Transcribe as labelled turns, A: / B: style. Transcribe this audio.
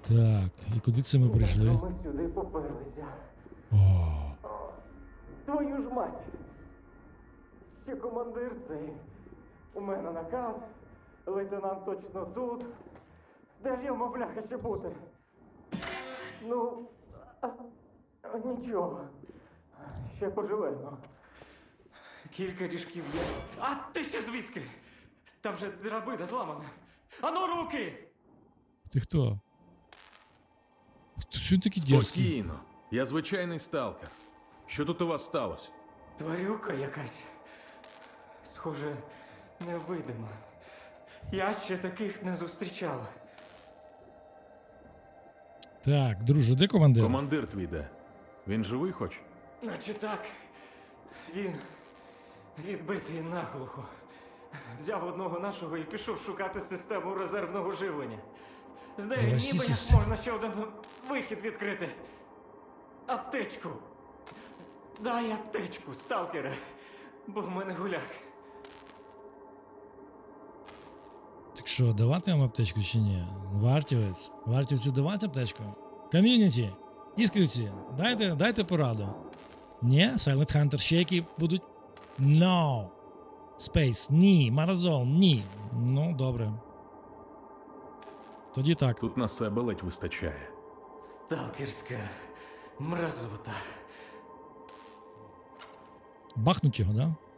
A: Так, і куди це ми прийшли?
B: Ми сюди поперлися.
A: О,
B: Твою ж мать! Ще командир цей. У мене наказ. Лейтенант точно тут. Де ж йому, бляха, ще бути? Ну, нічого. Ще поживемо. Кілька ріжків є. А ти ще звідки? Там же драбина зламана. Ану, руки!
A: ти хто? Що він такий дерзкий?
C: Спокійно. Я звичайний сталкер. Що тут у вас сталося?
B: Тварюка якась. Схоже, невидима. Я ще таких не зустрічав.
A: Так, друже, де командир?
C: Командир твій де? Він живий хоч?
B: Наче так. Він відбитий наглухо. Взяв одного нашого і пішов шукати систему резервного живлення. З нею ніби
A: Расісіс.
B: як можна ще один вихід відкрити. Аптечку. Дай аптечку, сталкере. Бо в мене гуляк.
A: Так що, давати вам аптечку чи ні? Вартівець? Вартівцю давати аптечку? Ком'юніті, іскрівці, дайте пораду. Ні? Silent Hunter ще які будуть? No. Space, ні. Маразон, ні. Ну, добре. Тоді так.
C: Тут на себе ледь вистачає.
B: Сталкерська мразота.
A: Бахнуть його, да?